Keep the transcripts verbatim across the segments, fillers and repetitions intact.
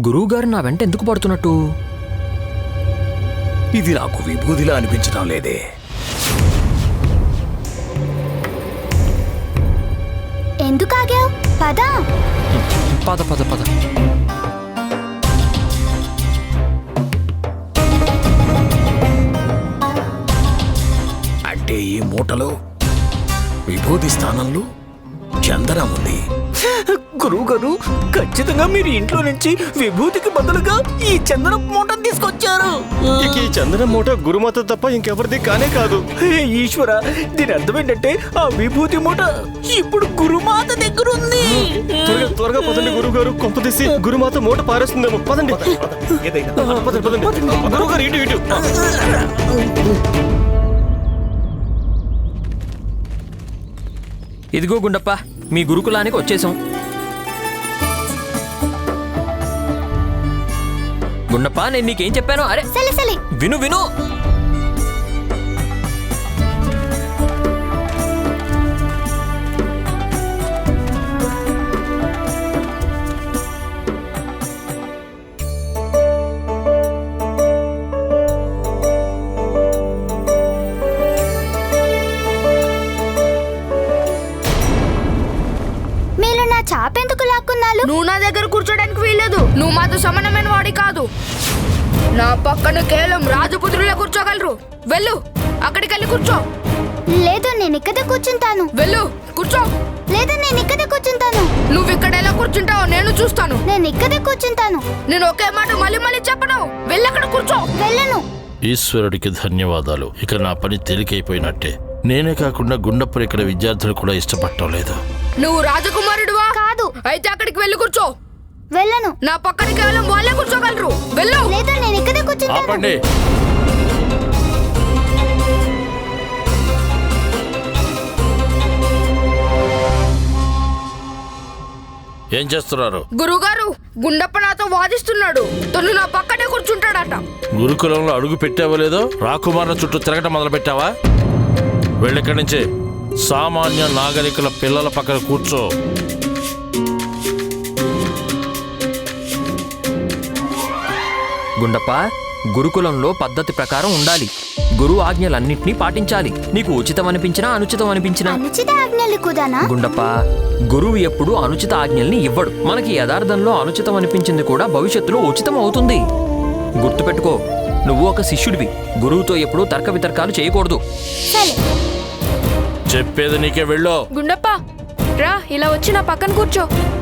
గురువుగారు నా వెంట ఎందుకు పడుతున్నట్టు? ఇది నాకు విభూదిలా అనిపించడం లేదే. ఎందుకు ఆగావు? పద పద పద పద. అంటే ఈ మూటలో విభూతి స్థానంలో చందనం ఉంది. గురువు గారు, ఖచ్చితంగా మీరు ఇంట్లో నుంచి విభూతికి బదులుగా ఈ చందనం మూట తీసుకొచ్చారు. ఇక ఈ చందనం మూట గురుమాత తప్ప ఇంకెవరిది కానే కాదు. హే ఈశ్వర, దీని అర్థం ఏంటంటే ఆ విభూతి మూట ఇప్పుడు గురుమాత దగ్గర ఉంది. త్వరగా త్వరగా పదండి గురువు గారు, కొంప తీసి గురుమాత మూట పారేస్తుందేమో. పదండి పదండి పదండి. గురువు గారు ఇటు ఇటు. ఇదిగో గుండప్ప, మీ గురుకులానికి వచ్చేసాం. గుండప్ప, నేను నీకేం చెప్పాను? అరే సలే సలే విను విను. చాపెందుకు లాక్కున్నాను? నువ్వు నా దగ్గర కూర్చోడానికి వీల్లేదు. నువ్వు మాతో సమానమైన వాడి కాదు. నా పక్కన కేవలం రాజపుత్రులే కూర్చోగలరు. వెళ్ళు, అక్కడికి వెళ్ళి కూర్చో. లేదు, నేను ఇక్కడే కూర్చుంటాను. వెళ్ళు, కూర్చో. లేదు, నేను ఇక్కడే కూర్చుంటాను. నువ్వు ఇక్కడ ఎలా కూర్చుంటావో నేను చూస్తాను. నేను ఇక్కడే కూర్చుంటాను. నేను ఒకే మాట మళ్ళీ మళ్ళీ చెప్పను. వెళ్ళి అక్కడ కూర్చో. వెళ్ళను. ఈశ్వరుడికి ధన్యవాదాలు. ఇక నా పని తేలికైపోయినట్టే. నేనే కాకుండా గుండప్పని ఇక్కడ విద్యార్థులు కూడా ఇష్టపడటం లేదు. నువ్వు రాజకుమారుడువా? కాదు. అయితే అక్కడికి వెళ్ళి కూర్చో. వెళ్ళను. నా పక్కన కేవలం వాళ్ళే కూర్చోగలరు. వెళ్ళు. లేదు, నేను ఇక్కడే కూర్చుంటాను. ఆపండి. ఏం చేస్తున్నారు? గురుగారు, గుండప్ప నాతో వాదిస్తున్నాడు. తను నా పక్కనే కూర్చుంటాడట. గురుకులంలో అడుగు పెట్టావో లేదో రాకుమారుల చుట్టూ తిరగటం మొదలు పెట్టావా? వెళ్ళిక్కడి నుంచి. సామాన్య నాగరికుల పిల్లల పక్కన కూర్చో. గుండప్ప, గురుకులంలో పద్ధతి ప్రకారం ఉండాలి. గురువు ఆజ్ఞలన్నింటినీ పాటించాలి. నీకు ఉచితం అనిపించినా అనుచితం అనిపించినా. అనుచిత ఆజ్ఞలు కూడానా? గుండప్ప, గురువు ఎప్పుడు అనుచిత ఆజ్ఞల్ని ఇవ్వడు. మనకి యథార్థంలో అనుచితం అనిపించింది కూడా భవిష్యత్తులో ఉచితం అవుతుంది. గుర్తుపెట్టుకో, నువ్వు ఒక శిష్యుడివి. గురువుతో ఎప్పుడూ తర్క వితర్కాలు చేయకూడదు. సరే, చెప్పేది నీకే. వెళ్ళు. గుండప్ప, రా, ఇలా వచ్చి నా పక్కన కూర్చో.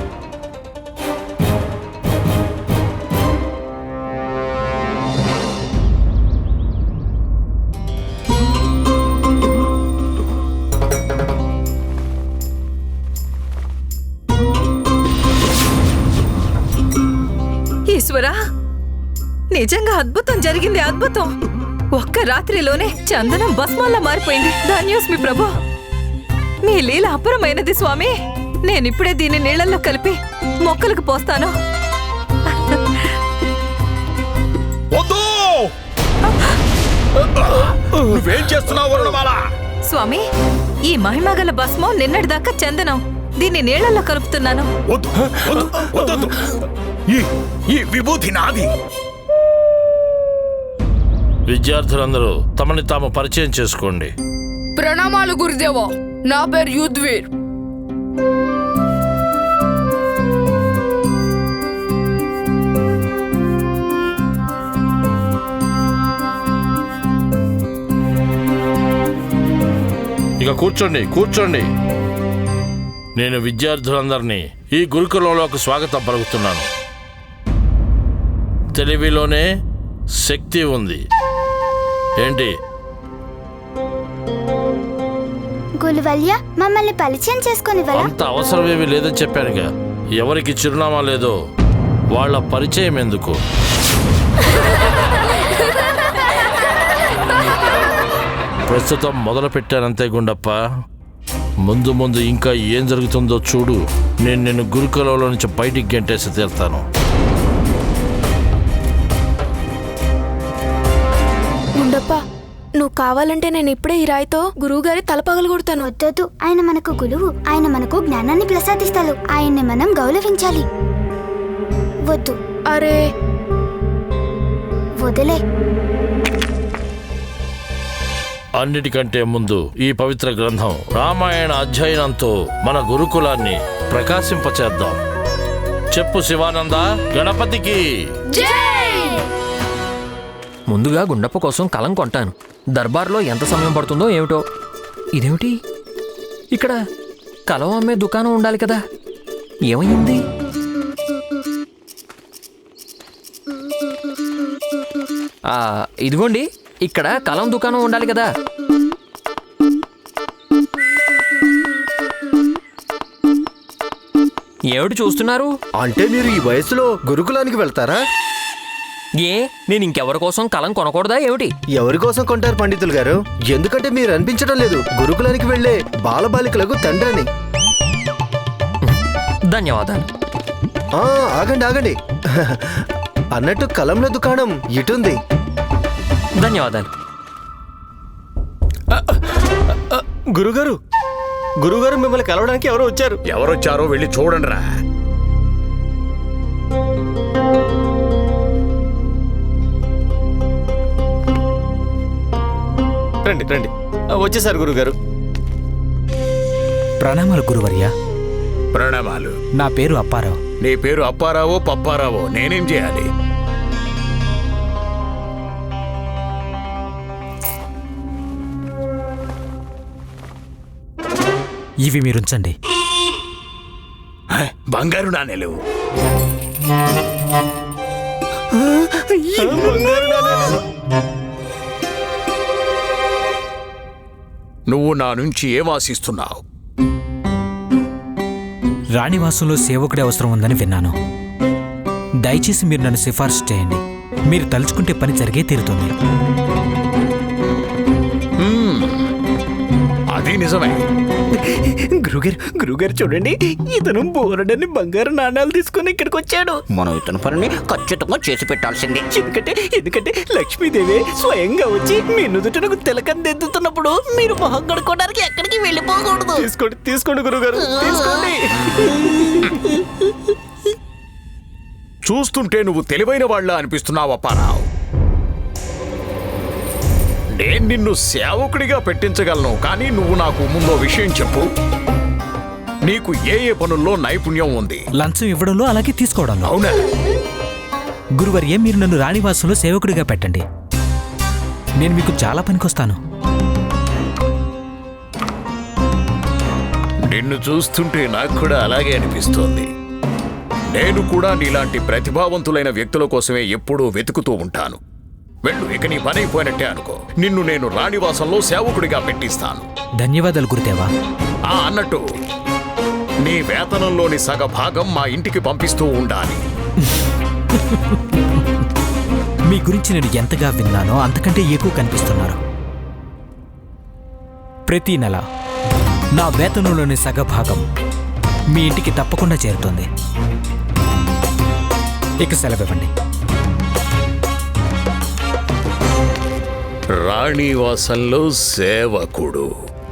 ఈశ్వరా, నిజంగా అద్భుతం జరిగింది. అద్భుతం. ఒక్క రాత్రిలోనే చందనం భస్మంలా మారిపోయింది. ధన్యోస్మి ప్రభు. మీ లీల అపరమైనది స్వామి. నేనిప్పుడే దీన్ని నీళ్లలో కలిపి మొక్కలకు పోస్తాను. నువ్వేం చేస్తున్నావు వరుణమాల? స్వామి, ఈ మహిమగల భస్మం నిన్నటిదాకా చందనం. దీన్ని నీళ్లలో కలుపుతున్నాను. వద్దు, వద్దు, వద్దు. ఈ ఈ విభూతి నాది. విద్యార్థులందరూ తమని తాము పరిచయం చేసుకోండి. ప్రణామాలు గురుదేవా. నా పేరు యుద్వీర్. ఇక కూర్చోండి, కూర్చోండి. నేను విద్యార్థులందరినీ ఈ గురుకులంలోకి స్వాగతం పలుకుతున్నాను. తెలివిలోనే శక్తి ఉంది. ఏంటి? గులువల్య, మమ్మల్ని పరిచయం చేసుకొని అంత అవసరమేమీ లేదని చెప్పానుగా. ఎవరికి చిరునామా లేదో వాళ్ళ పరిచయం ఎందుకు? ప్రస్తుతం మొదలు పెట్టానంతే గుండప్ప. ముందు ముందు ఇంకా ఏం జరుగుతుందో చూడు. నేను నిన్ను గురుకులంలో నుంచి బయటికి గెంటేసి తీరుతాను. గుండప్ప, నువ్వు కావాలంటే నేను ఇప్పుడే ఈ రాయితో గురువుగారి తల పగలగొడతాను. వద్దొద్దు. ఆయన మనకు గురువు. ఆయన మనకు జ్ఞానాన్ని ప్రసాదిస్తాడు. ఆయన్ని మనం గౌరవించాలి. వద్దు. అరే వదిలే. అన్నిటికంటే ముందు ఈ పవిత్ర గ్రంథం రామాయణ అధ్యయనంతో మన గురుకులాన్ని ప్రకాశింపచేద్దాం. చెప్పు శివానంద, గణపతికి ముందుగా గుండప్ప కోసం కలం కొంటాను. దర్బార్లో ఎంత సమయం పడుతుందో ఏమిటో. ఇదేమిటి, ఇక్కడ కలం అమ్మే దుకాణం ఉండాలి కదా, ఏమైంది? ఆ, ఇదిగోండి, ఇక్కడ కలం దుకాణం ఉండాలి కదా. ఏమిటి చూస్తున్నారు? అంటే మీరు ఈ వయసులో గురుకులానికి వెళ్తారా? ఏ నేను ఇంకెవరి కోసం కలం కొనకూడదా ఏమిటి? ఎవరి కోసం కొంటారు పండితులు గారు? ఎందుకంటే మీరు అనిపించడం లేదు గురుకులానికి వెళ్లే బాలబాలికలకు తండ్రిని. ధన్యవాదాలు. ఆ, ఆగండి ఆగండి అన్నట్టు కలంల దుకాణం ఇటుంది. ధన్యవాదాలు. గురుగారు గురుగారు మిమ్మల్ని కలవడానికి ఎవరో వచ్చారు. ఎవరొచ్చారో వెళ్ళి చూడండి రా. రండి రండి, వచ్చేసారు గురుగారు. ప్రణామాలు గురువర్య. ప్రణామాలు. నా పేరు అప్పారావు. నీ పేరు అప్పారావో పప్పారావో నేనేం చేయాలి? ఇవి మీరుంచండి. హ, బంగారు నాణేలు. నువ్వు నా నుంచి ఏం ఆశిస్తున్నావు? రాణివాసంలో సేవకుడి అవసరం ఉందని విన్నాను. దయచేసి మీరు నన్ను సిఫార్సు చేయండి. మీరు తలుచుకుంటే పని జరిగే తీరుతుంది. అది నిజమే. గురుగారు గురుగారు చూడండి, ఇతను బోరడని బంగారు నాణాలు తీసుకుని ఇక్కడికి వచ్చాడు. మనం ఇతని పనిని ఖచ్చితంగా చేసి పెట్టాల్సింది. ఎందుకంటే ఎందుకంటే లక్ష్మీదేవి స్వయంగా వచ్చి మీ నుదుటకు తిలకం దిద్దుతున్నప్పుడు మీరు మొహం కడుక్కోవడానికి ఎక్కడికి వెళ్ళిపోకూడదు. తీసుకోండి తీసుకోండి గురుగారు, తీసుకోండి. చూస్తుంటే నువ్వు తెలివైన వాళ్ళ అనిపిస్తున్నావు అప్పారావు. నేను నిన్ను సేవకుడిగా పెట్టించగలను, కానీ నువ్వు నాకు ముందో విషయం చెప్పు. నీకు ఏ ఏ పనుల్లో నైపుణ్యం ఉంది? లంచం ఇవ్వడంలో అలాగే తీసుకోవడంలో. అవునా? గురువర్య, మీరు నన్ను రాణివాసంలో సేవకుడిగా పెట్టండి. నేను మీకు చాలా పనికొస్తాను. నిన్ను చూస్తుంటే నాకు కూడా అలాగే అనిపిస్తోంది. నేను కూడా నీలాంటి ప్రతిభావంతులైన వ్యక్తుల కోసమే ఎప్పుడూ వెతుకుతూ ఉంటాను. వెళ్ళు, ఇక నీ పని అయిపోయినట్టే అనుకో. నిన్ను నేను రాణివాసంలో సేవకుడిగా పెట్టిస్తాను. ధన్యవాదాలు గురుదేవా. ఆ అన్నట్టు నీ వేతనంలోని సగ భాగం మా ఇంటికి పంపిస్తూ ఉండాలి. మీ గురించి నేను ఎంతగా విన్నానో అంతకంటే ఎక్కువ కనిపిస్తున్నారు. ప్రతి నెల నా వేతనంలోని సగ భాగం మీ ఇంటికి తప్పకుండా చేరుతుంది. ఇక సెలవివ్వండి. రాణివాసంలో సేవకుడు.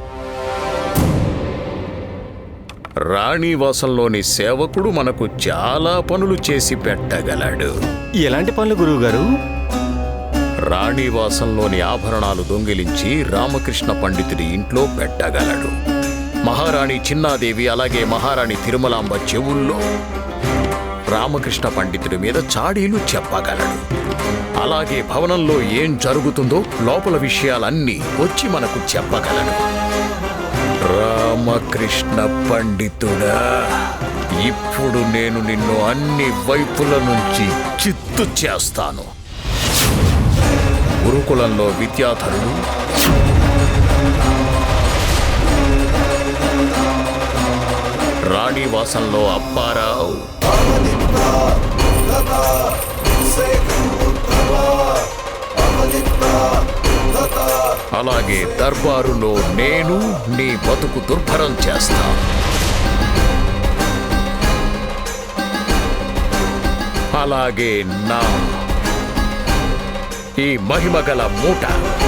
రాణివాసంలోని సేవకుడు మనకు చాలా పనులు చేసి పెట్టగలడు. ఎలాంటి పనులు గురువు గారు? రాణివాసంలోని ఆభరణాలు దొంగిలించి రామకృష్ణ పండితుడి ఇంట్లో పెట్టగలడు. మహారాణి చిన్నాదేవి అలాగే మహారాణి తిరుమలాంబ చెవుల్లో రామకృష్ణ పండితుడి మీద చాడీలు చెప్పగలడు. అలాగే భవనంలో ఏం జరుగుతుందో లోపల విషయాలన్నీ వచ్చి మనకు చెప్పగలడు. రామకృష్ణ పండితుడా, ఇప్పుడు నేను నిన్ను అన్ని వైపుల నుంచి చిత్తు చేస్తాను. గురుకులంలో విద్యాధరుడు, రాణివాసంలో అప్పారావు, అలాగే దర్బారులో నేను నీ బతుకు దుర్భరం చేస్తా. అలాగే నా ఈ మహిమగల మూట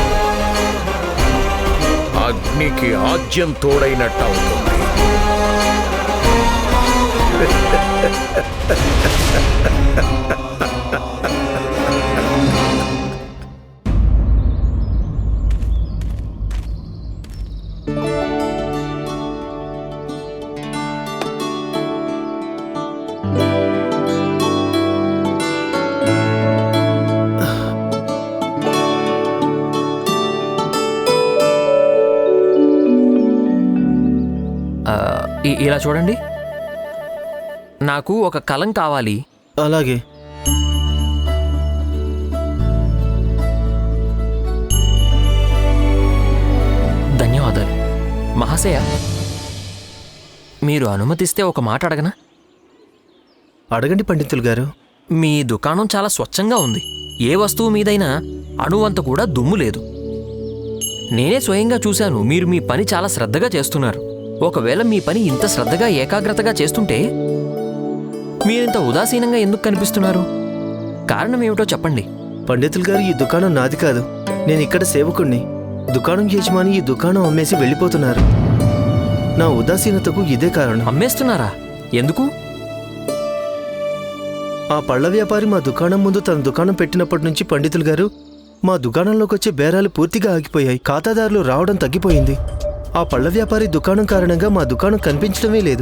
అగ్నికి ఆజ్యం తోడైనట్టు అవుతుంది. ఇ- ఇలా చూడండి, నాకు ఒక కలం కావాలి. అలాగే. ధన్యవాదాలు మహాశయ. మీరు అనుమతిస్తే ఒక మాట అడగనా? అడగండి పండితులు గారు. మీ దుకాణం చాలా స్వచ్ఛంగా ఉంది. ఏ వస్తువు మీదైనా అణువంత కూడా దుమ్ము లేదు. నేనే స్వయంగా చూశాను, మీరు మీ పని చాలా శ్రద్ధగా చేస్తున్నారు. ఒకవేళ మీ పని ఇంత శ్రద్ధగా ఏకాగ్రతగా చేస్తుంటే మీరింత ఉదాసీనంగా ఎందుకు కనిపిస్తున్నారు? కారణం ఏమిటో చెప్పండి. పండితులు గారు, ఈ దుకాణం నాది కాదు. నేను ఇక్కడ సేవకుణ్ణి. దుకాణం యజమాని ఈ దుకాణం అమ్మేసి వెళ్ళిపోతున్నారు. నా ఉదాసీనతకు ఇదే కారణం. అమ్మేస్తున్నారా? ఎందుకు? ఆ పళ్ళ వ్యాపారి మా దుకాణం ముందు తన దుకాణం పెట్టినప్పటి నుంచి పండితులు గారు, మా దుకాణంలోకి వచ్చే బేరాలు పూర్తిగా ఆగిపోయాయి. ఖాతాదారులు రావడం తగ్గిపోయింది. ఆ పళ్ళ వ్యాపారి దుకాణం కారణంగా మా దుకాణం కనిపించడమే లేదు.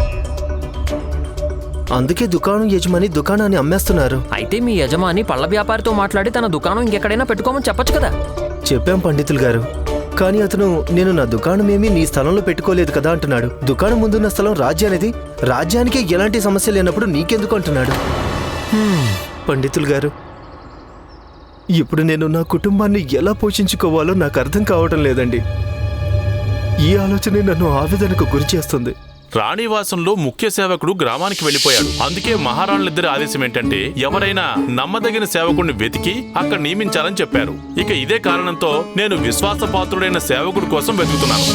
అందుకే దుకాణం యజమాని దుకాణాన్ని అమ్మేస్తున్నారు. అయితే మీ యజమాని పళ్ళ వ్యాపారితో మాట్లాడి తన దుకాణం ఇంకెక్కడైనా పెట్టుకోమని చెప్పొచ్చు కదా. చెప్పాం పండితులు గారు, కానీ అతను నేను నా దుకాణం ఏమీ నీ స్థలంలో పెట్టుకోలేదు కదా అంటున్నాడు. దుకాణం ముందున్న స్థలం రాజ్యానిది. రాజ్యానికి ఎలాంటి సమస్య లేనప్పుడు నీకెందుకు అంటున్నాడు. పండితులు గారు, ఇప్పుడు నేను నా కుటుంబాన్ని ఎలా పోషించుకోవాలో నాకు అర్థం కావటం లేదండి. ఈ ఆలోచనే నన్ను ఆవేదనకు గురి చేస్తుంది. రాణివాసంలో ముఖ్య సేవకుడు గ్రామానికి వెళ్ళిపోయాడు. అందుకే మహారాణులిద్దరి ఆదేశం ఏంటంటే ఎవరైనా నమ్మదగిన సేవకుడిని వెతికి అక్కడ నియమించాలని చెప్పారు. ఇక ఇదే కారణంతో నేను విశ్వాసపాత్రుడైన సేవకుడి కోసం వెతుకుతున్నాను.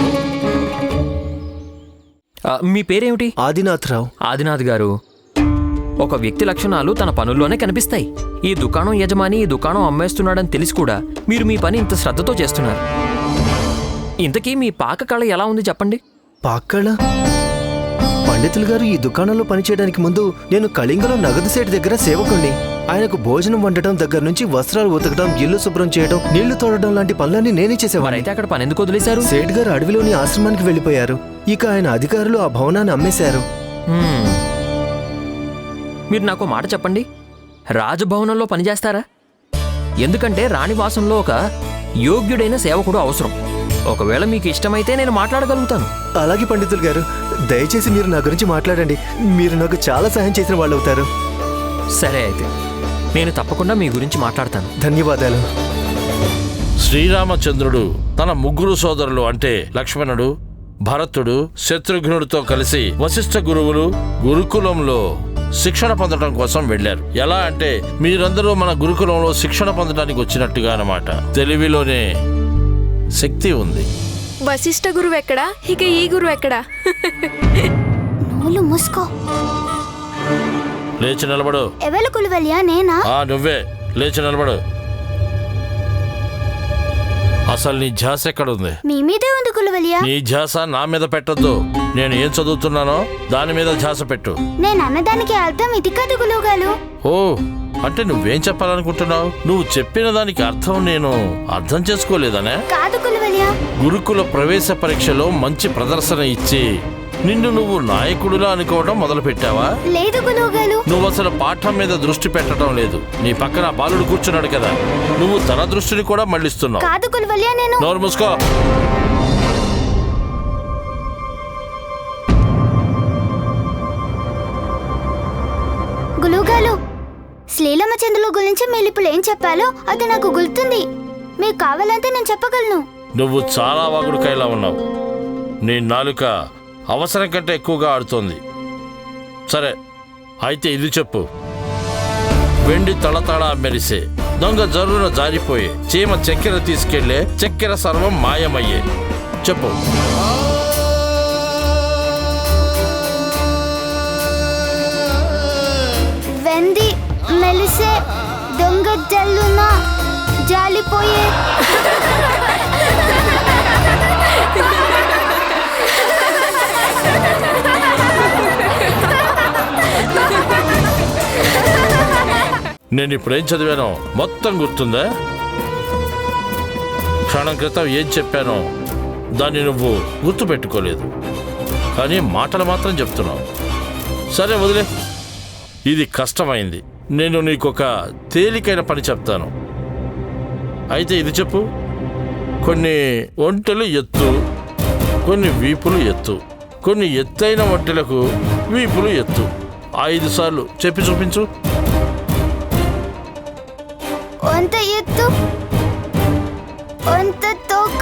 ఆ, మీ పేరేమిటి? ఆదినాథరావు. ఆదినాథ్ గారు, ఒక వ్యక్తి లక్షణాలు తన పనుల్లోనే కనిపిస్తాయి. ఈ దుకాణం యజమాని ఈ దుకాణం అమ్మేస్తున్నాడని తెలిసి కూడా మీరు మీ పని ఇంత శ్రద్ధతో చేస్తున్నారు. ఇంతకీ మీ పాక కళ ఎలా ఉంది చెప్పండి. పాక్కళ? పండితులు గారు, ఈ దుకాణంలో పనిచేయడానికి ముందు నేను కళింగలో నగదు సేటు దగ్గర సేవకుణ్ణి. ఆయనకు భోజనం వండటం దగ్గర నుంచి వస్త్రాలు ఉతకడం, ఇల్లు శుభ్రం చేయడం, నీళ్లు తోడడం లాంటి పనులన్నీ నేనే చేసేవాడిని. మరైతే అక్కడ పని ఎందుకు వదిలేశారు? సేట్ గారు అడవిలోని ఆశ్రమానికి వెళ్ళిపోయారు. ఇక ఆయన అధికారులు ఆ భవనాన్ని అమ్మేశారు. హ్మ్. మీరు నాకు మాట చెప్పండి, రాజభవనంలో పనిచేస్తారా? ఎందుకంటే రాణివాసంలో ఒక యోగ్యుడైన సేవకుడు అవసరం. ఒకవేళ మీకు ఇష్టమైతే నేను మాట్లాడగలుగుతాను. అలాగే పండితులు గారు, దయచేసి మీరు నా గురించి మాట్లాడండి. మీరు నాకు చాలా సహాయం చేసిన వాళ్ళు అవుతారు. సరే, అయితే నేను తప్పకుండా మీ గురించి మాట్లాడతాను. ధన్యవాదాలు. శ్రీరామచంద్రుడు తన ముగ్గురు సోదరులు అంటే లక్ష్మణుడు, భరతుడు, శత్రుఘ్నుడితో కలిసి వశిష్ఠ గురువులు గురుకులంలో శిక్షణ పొందడం కోసం వెళ్లారు. ఎలా అంటే మీరందరూ మన గురుకులంలో శిక్షణ పొందడానికి వచ్చినట్టుగా అన్నమాట. తెలివిలోనే శక్తి ఉంది. వశిష్ఠ గురువు ఎక్కడా, ఇక ఈ గురువు ఎక్కడా? నోలు మూసుకో. లేచి నిలబడు. ఎవరు గులువలియా? నేనా? ఆ నువ్వే, లేచి నిలబడు. అసలు నీ ధ్యాస ఎక్కడుంది? మీ మీదే ఉంది గులువలియా. నీ ధ్యాస నా మీద పెట్టొద్దు. నేను ఏం చదువుతున్నానో దాని మీద ధ్యాస పెట్టు. నేను అన్నదానికి అర్థం ఇది కాదు గులువుగాలు. ఓ, అంటే నువ్వేం చెప్పాలనుకుంటున్నావు? నువ్వు చెప్పిన దానికి అర్థం నేను అర్థం చేసుకోలేదనే? కాదు గులువలియా. గురుకుల ప్రవేశ పరీక్షలో మంచి ప్రదర్శన ఇచ్చి నిన్ను నువ్వు నాయకుడిలా అనుకోవడం మొదలు పెట్టావా? లేదు గులువుగాలు. నువ్వు అసలు పాఠం మీద దృష్టి పెట్టడం లేదు. నీ పక్కన బాలుడు కూర్చున్నాడు కదా, నువ్వు తన దృష్టిని కూడా మళ్ళిస్తున్నావు. కాదు గులువలియా, నేను. నోరు మూసుకో. గులువుగాలు, శ్రీరామచంద్రుల గురించి మీరు ఇప్పుడు ఏం చెప్పాలో అది నాకు గుర్తుంది. మీకు కావాలంటే నేను చెప్పగలను. నువ్వు చాలా వాగుడుకాయలా ఉన్నావు. నీ నాలుక అవసరం కంటే ఎక్కువగా ఆడుతోంది. సరే, అయితే ఇది చెప్పు. వెండి తళతళ మెరిసే, దొంగ జరున జారిపోయే, చీమ చక్కెర తీసుకెళ్లే, చక్కెర సర్వం మాయమయ్యే. చెప్పు. వెండి మెలిసే, దొంగ జల్లున జాలిపోయే. నేను ఇప్పుడేం చదివానో మొత్తం గుర్తుందా? క్షణం క్రితం ఏం చెప్పానో దాన్ని నువ్వు గుర్తుపెట్టుకోలేదు, కానీ మాటలు మాత్రం చెప్తున్నావు. సరే వదిలే, ఇది కష్టమైంది. నేను నీకొక తేలికైన పని చెప్తాను. అయితే ఇది చెప్పు. కొన్ని ఒంటెలు ఎత్తు, కొన్ని వీపులు ఎత్తు, కొన్ని ఎత్తైన వట్టెలకు వీపులు ఎత్తు. ఐదు సార్లు చెప్పి చూపించు. వంత ఎత్తు, వంత తోక.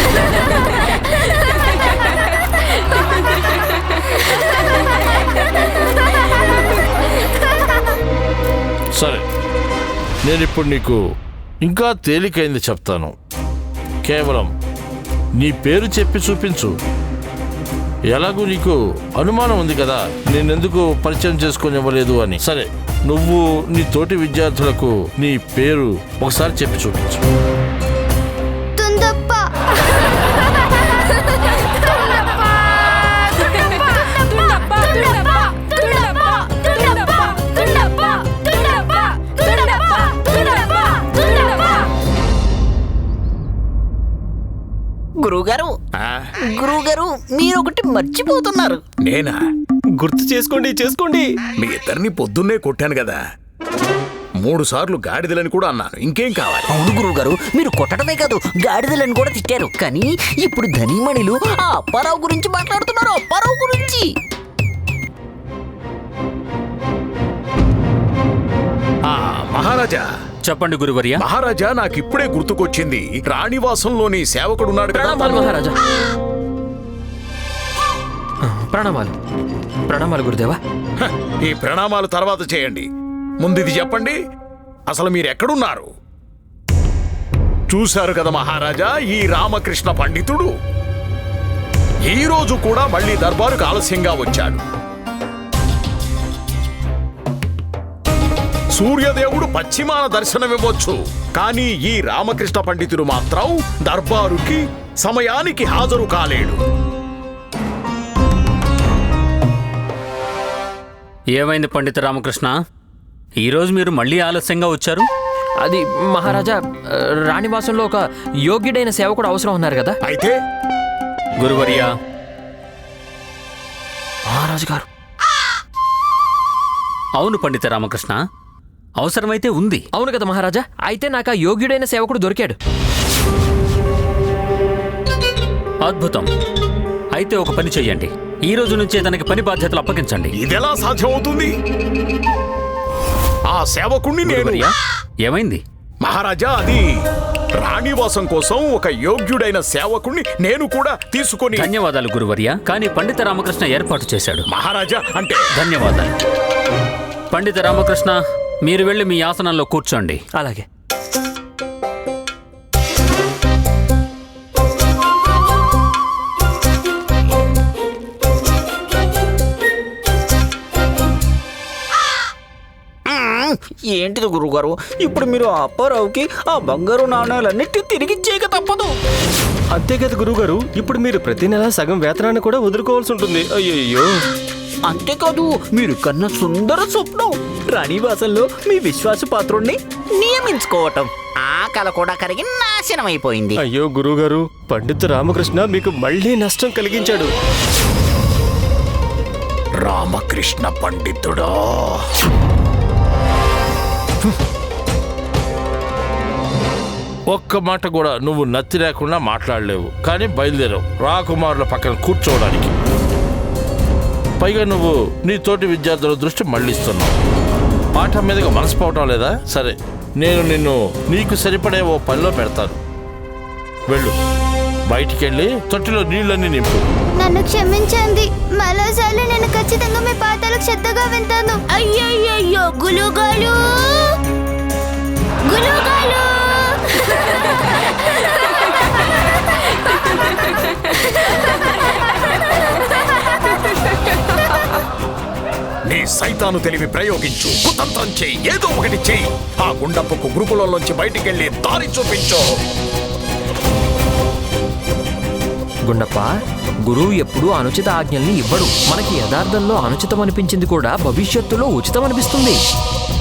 సరే, నేనిప్పుడు నీకు ఇంకా తేలికైంది చెప్తాను. కేవలం నీ పేరు చెప్పి చూపించు. ఎలాగూ నీకు అనుమానం ఉంది కదా నేనెందుకు పరిచయం చేసుకొని ఇవ్వలేదు అని. సరే, నువ్వు నీ తోటి విద్యార్థులకు నీ పేరు ఒకసారి చెప్పి చూపించు. తుందప్ప. గురువుగారు గురువుగారు మీరు ఒకటి మర్చిపోతున్నారు. నేనా? గుర్తు చేసుకోండి చేసుకోండి. మీ ఇద్దరిని పొద్దున్నే కొట్టాను కదా, మూడు సార్లు గాడిదలని కూడా అన్నాను. ఇంకేం కావాలి? అవును గురువుగారు, మీరు కొట్టడమే కాదు గాడిదలను కూడా తిట్టారు. కానీ ఇప్పుడు ధనిమణిలు ఆ అప్పారావు గురించి మాట్లాడుతున్నారు. అప్పారావు గురించి. ఆ మహారాజా, చెప్పండి గురువర్య. మహారాజా, నాకిప్పుడే గుర్తుకొచ్చింది. రాణివాసంలోని సేవకుడున్నాడు కదా. ప్రణామాలు మహారాజా. ఆ, ప్రణామాలు ప్రణామాలు గురుదేవా. హ, ఈ ప్రణామాలు తర్వాత చేయండి. ముందు ఇది చెప్పండి, అసలు మీరు ఎక్కడున్నారు? చూశారు కదా మహారాజా, ఈ రామకృష్ణ పండితుడు ఈ రోజు కూడా మళ్ళీ దర్బారుకు ఆలస్యంగా వచ్చాడు. సూర్యదేవుడు పశ్చిమాన దర్శనమివ్వచ్చు, కానీ ఈ రామకృష్ణ పండితుడు మాత్రం దర్బారుకి సమయానికి హాజరు కాలేడు. ఏమైంది పండిత రామకృష్ణ? ఈరోజు మీరు మళ్ళీ ఆలస్యంగా వచ్చారు? అది మహారాజా, ఆ, రాణివాసంలో ఒక యోగ్యుడైన సేవకుడు అవసరం ఉన్నారు కదా. అయితే గురువర్య, మహారాజు గారు. అవును పండిత రామకృష్ణ, అవసరమైతే ఉంది. అవును కదా మహారాజా, అయితే నాకు ఆ యోగ్యుడైన సేవకుడు దొరికాడు. అద్భుతం. అయితే ఒక పని చెయ్యండి, ఈ రోజు నుంచే తనకి పని బాధ్యతలు అప్పగించండి. ఇదెలా సాధ్యమవుతుంది? ఆ సేవకుణ్ణి నేను... గురువర్య, ఏమైంది? మహారాజా, అది రాణివాసం కోసం ఒక యోగ్యుడైన సేవకుణ్ణి నేను కూడా తీసుకొని... ధన్యవాదాలు గురువర్య, కానీ పండిత రామకృష్ణ ఏర్పాటు చేశాడు. మహారాజా, అంటే... ధన్యవాదాలు. పండిత రామకృష్ణ, మీరు వెళ్ళి మీ ఆసనంలో కూర్చోండి. అలాగే. ఏంటిది గురువుగారు, ఇప్పుడు మీరు ఆ అప్పారావుకి ఆ బంగారు నాణ్యాలన్నిటి తిరిగిచ్చేయక తప్పదు. అంతే కదా గురువుగారు, ఇప్పుడు మీరు ప్రతి నెల సగం వేతనాన్ని కూడా వదులుకోవాల్సి ఉంటుంది. అయ్యయ్యో. అంతేకాదు, మీరు కన్న సుందర స్వప్నం రాణివాసంలో మీ విశ్వాసపాత్రుణ్ణి నియమించుకోవటం, ఆ కల కూడా కరిగి నాశనం అయిపోయింది. అయ్యో గురువుగారు, పండిత రామకృష్ణ మీకు మళ్ళీ నష్టం కలిగించాడు. రామకృష్ణ పండితుడా, ఒక్క మాట కూడా నువ్వు నత్తి లేకుండా మాట్లాడలేవు, కానీ బయలుదేరావు రాకుమారుల పక్కన కూర్చోవడానికి. పైగా నువ్వు నీ తోటి విద్యార్థుల దృష్టి మళ్ళిస్తున్నావు. పాఠం మీదగా మనసు పోవటం లేదా? సరే, నేను నిన్ను నీకు సరిపడే ఓ పనిలో పెడతాను. వెళ్ళు, బయటికి వెళ్ళి తొట్టిలో నీళ్ళన్నీ నింపు. నన్ను క్షమించండి, మరోసారి నేను ఖచ్చితంగా మీ పాఠాలకు శ్రద్ధగా వింటాను. అయ్యయ్యో గులుగాలు గులుగాలు. నీ సైతాను తెలివి ప్రయోగించు, కుతంత్రం చెయ్యి, ఏదో ఒకటి చెయ్యి. ఆ గుండప్పకు గురుకులంలోంచి బయటికెళ్ళి దారి చూపించు. గుండప్ప, గురువు ఎప్పుడూ అనుచిత ఆజ్ఞల్ని ఇవ్వడు. మనకి యథార్థంలో అనుచితం అనిపించింది కూడా భవిష్యత్తులో ఉచితం అనిపిస్తుంది.